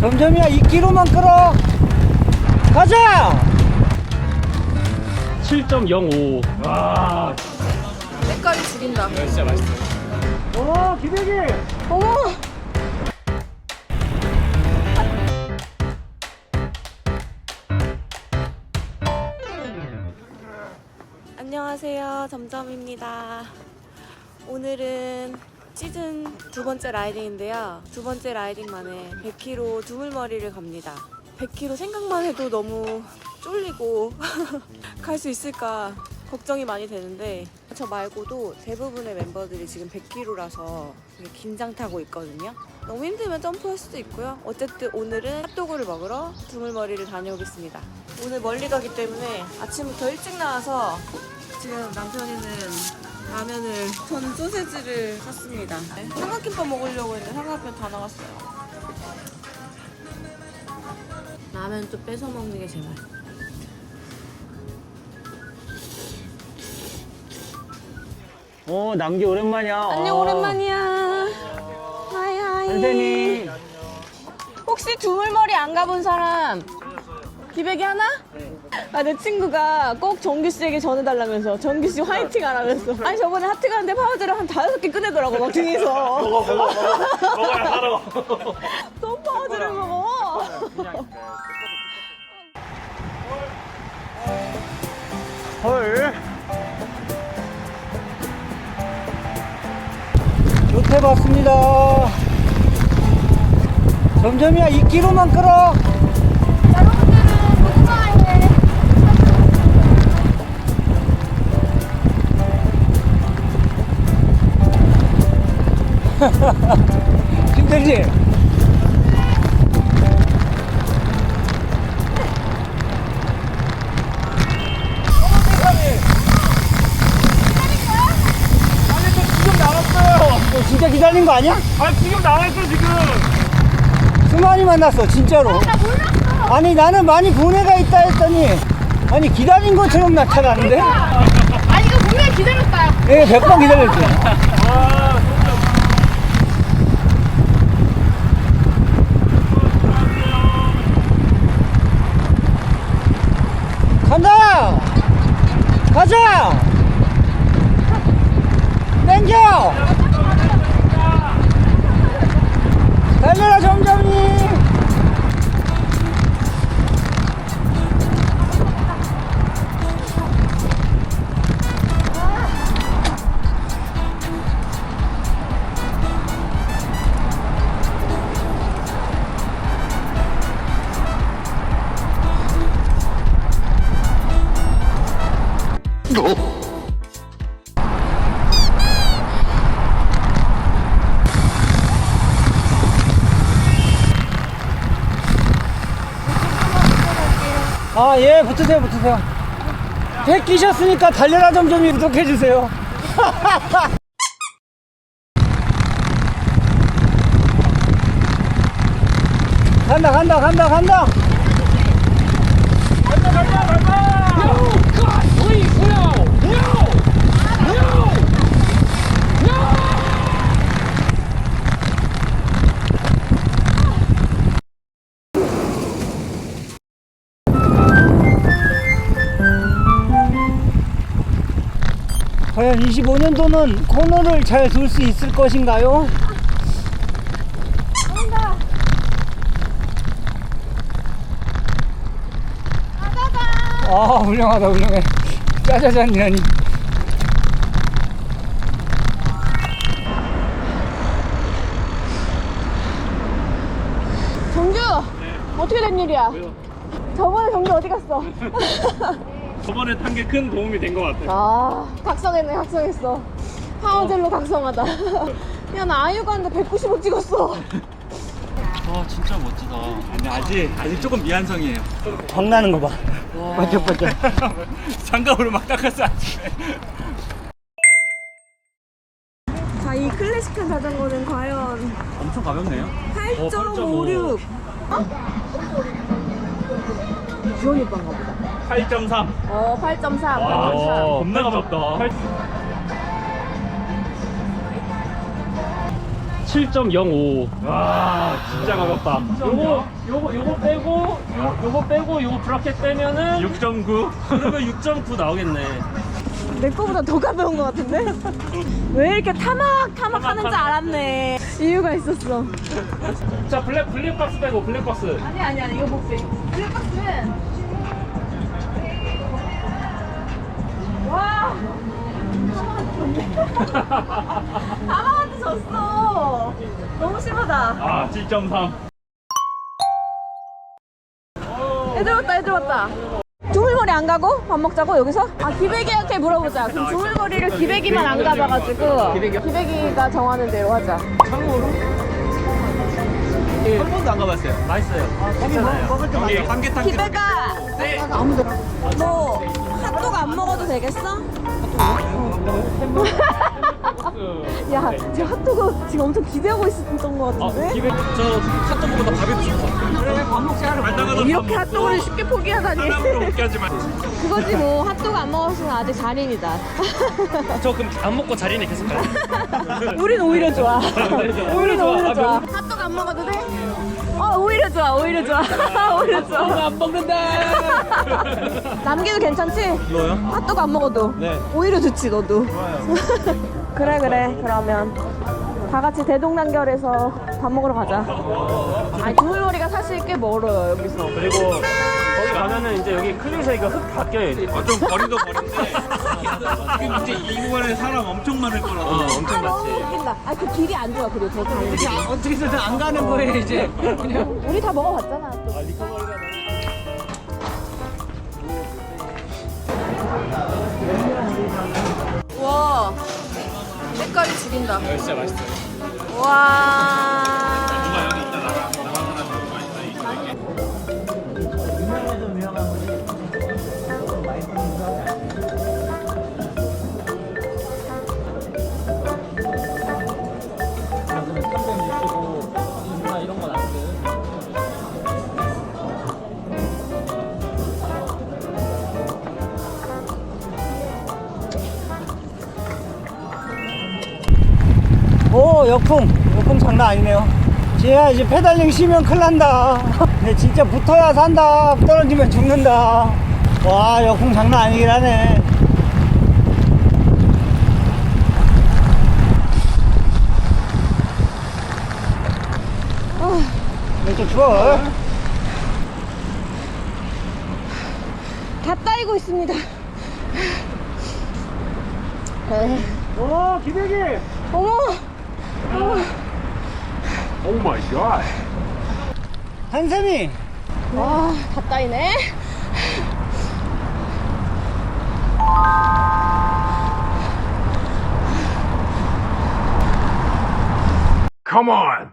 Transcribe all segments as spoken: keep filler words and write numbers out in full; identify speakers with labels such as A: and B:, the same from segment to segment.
A: 점점이야 이 킬로미터만 끌어. 가자.
B: 칠 점 영오. 와.
C: 색깔이 죽인다.
B: 이거 진짜 맛있어.
A: 오 기대기.
C: 어머. 안녕하세요, 점점입니다. 오늘은 시즌 두 번째 라이딩인데요. 두 번째 라이딩 만에 백 킬로미터 두물머리를 갑니다. 백 킬로미터 생각만 해도 너무 쫄리고 갈 수 있을까 걱정이 많이 되는데, 저 말고도 대부분의 멤버들이 지금 백 킬로미터라서 되게 긴장 타고 있거든요. 너무 힘들면 점프할 수도 있고요. 어쨌든 오늘은 핫도그를 먹으러 두물머리를 다녀오겠습니다. 오늘 멀리 가기 때문에 아침부터 일찍 나와서 지금 남편이는 라면을, 저는 소세지를 샀습니다. 삼각김밥 먹으려고 했는데 삼각김밥 다 나갔어요. 라면 좀 뺏어 먹는 게 제일 맛있어.
A: 오 남기 오랜만이야.
C: 안녕,
A: 어.
C: 오랜만이야. 하이 하이.
A: 선생님.
C: 혹시 두물머리 안 가본 사람? 기백이 하나? 아, 내 친구가 꼭 정규 씨에게 전해달라면서 정규 씨 화이팅 하라면서. 아니 저번에 하트 가는데 파우더를 한 다섯 개 꺼내더라고 막 등에서.
B: 먹어 먹어 먹어. 먹어야 살아.
C: 또 파우더를 먹어.
A: 헐. 좋대 봤습니다. 점점이야 이 킬로미터만 끌어. 힘들지? 너 진짜 기다린 거 아니야?
B: 아 지금 나와있어 지금.
A: 수만이 만났어 진짜로.
C: 나 몰랐어.
A: 아니 나는 많이 분해가 있다 했더니 아니 기다린 것처럼 나타나는데?
C: 아니 이거 분명히 기다렸다.
A: 예, 백 번 기다렸지.
B: 아
A: 간다! 가자! 땡겨! 달려라 점점이! 아, 예, 붙으세요, 붙으세요. 백 끼셨으니까 달려라 점점이 구독해주세요. 간다, 간다, 간다, 간다.
B: 간다 간다 간다.
A: 과연 이십오 년도는 코너를 잘 돌 수 있을 것인가요?
C: 간다. 가가가.
A: 아, 훌륭하다, 훌륭해. 짜자잔이라니.
C: 정규.
B: 네.
C: 어떻게 된 일이야?
B: 왜요?
C: 저번에 정규 어디 갔어?
B: 저번에 탄 게 큰 도움이 된 것 같아요.
C: 아, 각성했네, 각성했어. 파워젤로 각성하다. 야, 나 아이유 가는데 백구십오 찍었어.
B: 와 진짜 멋지다. 아니 아직 아직 조금 미완성이에요.
A: 광나는 거 봐. 반짝반짝.
B: 장갑으로 막 닦았어 아침에.
C: 자, 이 클래식한 자전거는 과연
B: 엄청 가볍네요.
C: 팔 점 오육. 어? 주원이 오빠인가 보다.
B: 팔 점 삼.
C: 어, 팔 점 삼.
B: 와,
C: 팔 점 삼.
B: 겁나 가볍다.
D: 칠 점 영오. 와 진짜 가볍다. 요거 요거 요거 빼고 요, 요거 빼고 요거 브라켓 빼면은
B: 육 점 구.
D: 그러면 육 점 구 나오겠네.
C: 내 거보다 더 가벼운 것 같은데? 왜 이렇게 타막 타막 하는지 알았네. 이유가 있었어.
D: 자 블랙 블랙박스 빼고 블랙박스.
C: 아니 아니 아니 이거 못 빼. 블랙박스는 와. 타막한테 졌어. 너무 심하다.
D: 아 칠 점 삼.
C: 애들 왔다 애들 왔다. 두물머리 안 가고 밥 먹자고 여기서? 아 기백이한테 물어보자. 그럼 두물머리를 기백이만 안 가봐가지고 기백이가 정하는 대로 하자.
B: 한 번도 안 가봤어요.
D: 맛있어요.
A: 먹을 때
B: 여기 삼계탕.
C: 기백아.
B: 네.
C: 너 핫도그 안 먹어도 되겠어? 야, 지금 핫도그 지금 엄청 기대하고 있었던 것
D: 아
C: 같은데?
D: 기백 저 핫도그보다 바베큐 좋다.
A: 그래 밥 먹자 하러
B: 나가다
C: 이렇게 핫도그를 쉽게 포기하다니.
B: 먹게 하지 마.
C: 그거지 뭐 핫도그 안 먹었으면 아직 잔인이다.
D: 저 그럼 안 먹고 자리에 계속 가요.
C: 우린 오히려 좋아. 우린
D: 좋아.
C: 오히려
D: 아,
C: 좋아. 핫도그 안 먹어도 돼? 어 오히려 좋아 오히려 좋아. 오히려 좋아.
D: 안 먹는다.
C: 남기도 괜찮지?
B: 뭐요?
C: 핫도그 안 먹어도
B: 네.
C: 오히려 좋지 너도.
B: 좋아요.
C: 그래 그래 그러면 다 같이 대동단결해서 밥 먹으러 가자. 아니 두물머리가 사실 꽤 멀어요 여기서.
D: 그리고 거기 가면은 이제 여기 클리에서 이거 흙 다 껴요 이제.
B: 어, 좀 거리도 거리인데 지금 이제 이 구간에 사람 엄청 많을 거라.
D: 어, 엄청
C: 너무
D: 많지.
C: 웃긴다. 아 그 길이 안 좋아 그리고 저 가는 길이.
A: 어떻게 해서 안 가는 거예요 이제. 그냥
C: 우리 다 먹어봤잖아. 또. 와 색깔이 죽인다.
D: 진짜 맛있어요.
C: 와.
A: 유명해도 유명한 거지. 많이 먹는다.
D: 이런 건 안 돼.
A: 오 역풍 역풍 장난 아니네요. 지혜야 이제 페달링 쉬면 큰일 난다. 근데 진짜 붙어야 산다. 떨어지면 죽는다. 와 역풍 장난 아니긴 하네. 근데 좀 추워.
C: 다 따이고 있습니다. 에이,
D: 오 기백이.
C: 어머. 어머.
D: 오 마이 갓.
A: 한샘이
C: 와, 다 따이네.
D: Come on.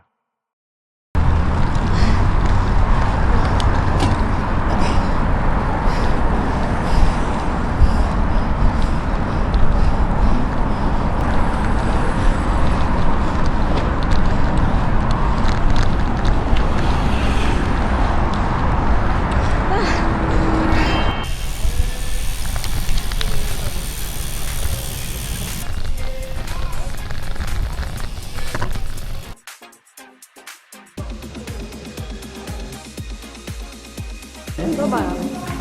C: 써봐요.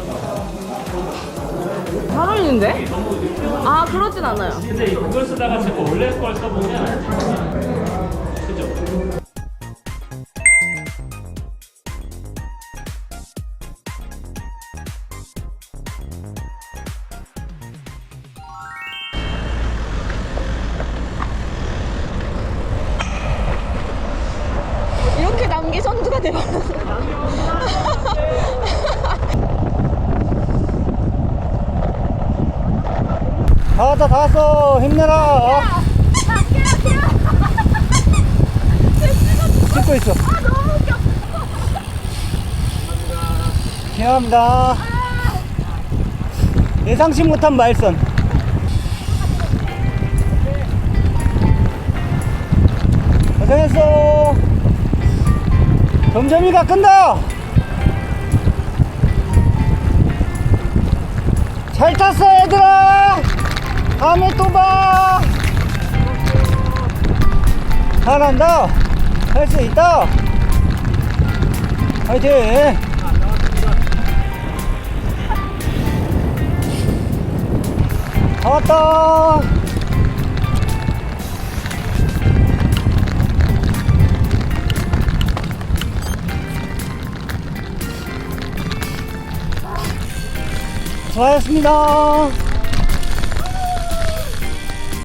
C: 잘 어울리는데? 아, 그러진 않아요.
D: 근데 이걸 쓰다가 자꾸 원래 걸 써보면 그죠?
C: 이렇게 남기 선두가 돼버렸어.
A: 다 왔다 다 왔어. 힘내라. 찍고 있어.
C: 아, 너무 웃겨.
A: 미안합니다. 예상치 못한 말선. 고생했어. 점점이가 끈다. 잘 탔어 얘들아. 다음에 또 봐. 잘한다. 할 수 있다. 화이팅. 다 왔다. 수고하셨습니다.